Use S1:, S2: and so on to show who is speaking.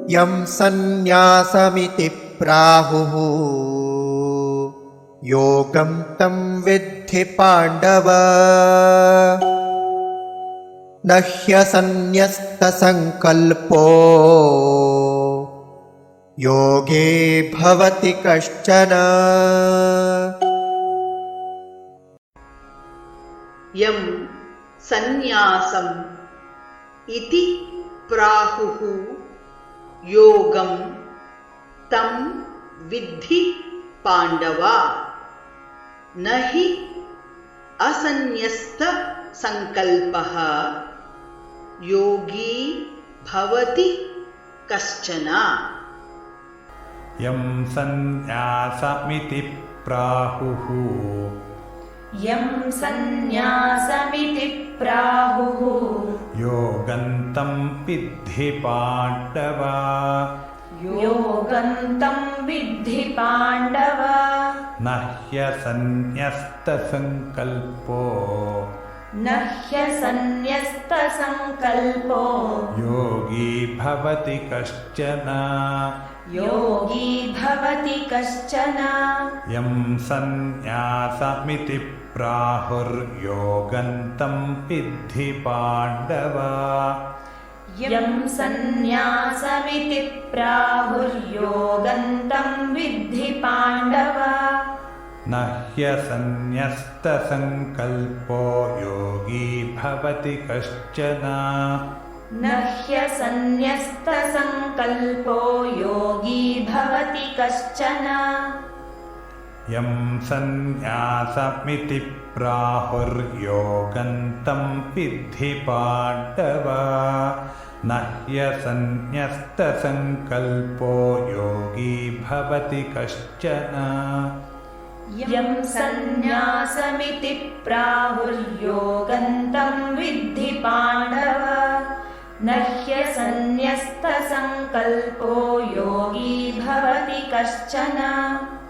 S1: यं सन्न्यासमिति प्राहुः योगं तं विद्धि पाण्डव न ह्यसन्न्यस्तसङ्कल्पो योगे भवति कश्चन।
S2: यं सन्न्यासम् इति प्राहुः योगं तं विद्धि पाण्डव न हि असन्न्यस्तसङ्कल्पः योगी भवति कश्चन।
S3: यं सन्न्यासमिति प्राहुः योगं तं विद्धि पाण्डव न ह्यसन्न्यस्तसङ्कल्पो योगी भवति कश्चन। यं सन्न्यासमिति प्राहुर्योगं तं विद्धि पाण्डव न ह्यसन्न्यस्तसङ्कल्पो योगी भवति कश्चन। यं सन्न्यासमिति प्राहुर्योगं तं विद्धि पाण्डव न ह्यसन्न्यस्तसङ्कल्पो योगी भवति कश्चन।
S4: यं सन्न्यासमिति प्राहुर्योगं तं विद्धि पाण्डव न ह्यसन्न्यस्तसङ्कल्पो योगी भवति कश्चन।